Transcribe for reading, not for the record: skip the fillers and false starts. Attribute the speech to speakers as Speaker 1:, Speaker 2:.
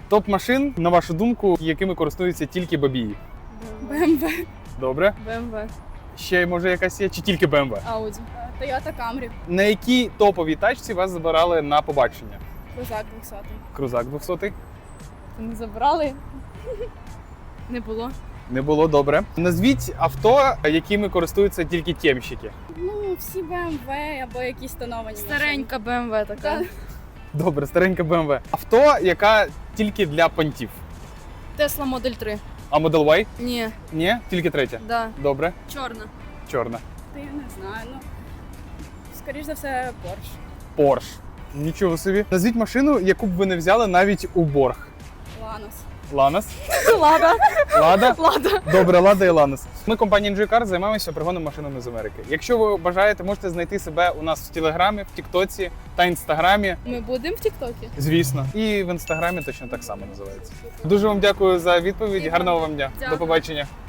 Speaker 1: Топ машин, на вашу думку, якими користуються тільки бабії?
Speaker 2: BMW.
Speaker 1: Добре.
Speaker 2: BMW.
Speaker 1: Ще, може, якась є? Чи тільки BMW?
Speaker 2: Audi. Toyota Camry.
Speaker 1: На якій топовій тачці вас забирали на побачення?
Speaker 2: Крузак 200.
Speaker 1: Крузак 200?
Speaker 2: Не забрали? Не було.
Speaker 1: Не було, добре. Назвіть авто, якими користуються тільки тємщики.
Speaker 2: Ну, всі BMW або якісь тоновані
Speaker 3: Старенька BMW така.
Speaker 2: машини.
Speaker 1: Добре, старенька BMW. Авто, яка тільки для понтів.
Speaker 3: Tesla Model 3.
Speaker 1: А Model Y?
Speaker 3: Ні,
Speaker 1: Ні, тільки третя.
Speaker 3: да.
Speaker 1: Добре.
Speaker 3: Чорна.
Speaker 1: Чорна.
Speaker 2: Та я не знаю, ну, скоріш за все, Porsche.
Speaker 1: Porsche. Нічого собі. Назвіть машину, яку б ви не взяли навіть у борг.
Speaker 2: Lanos.
Speaker 1: Ланос?
Speaker 3: Лада.
Speaker 1: Лада?
Speaker 3: Лада.
Speaker 1: Добре, Лада і Ланос. Ми, компанія NG Cars, займаємося пригоном машинами з Америки. Якщо ви бажаєте, можете знайти себе у нас в Телеграмі, в Тіктоці та Інстаграмі.
Speaker 2: Ми будемо в Тіктокі?
Speaker 1: Звісно. І в Інстаграмі точно так само називається. Дуже вам дякую за відповідь.
Speaker 2: І вам
Speaker 1: Гарного вам дня.
Speaker 3: дякую.
Speaker 1: До побачення.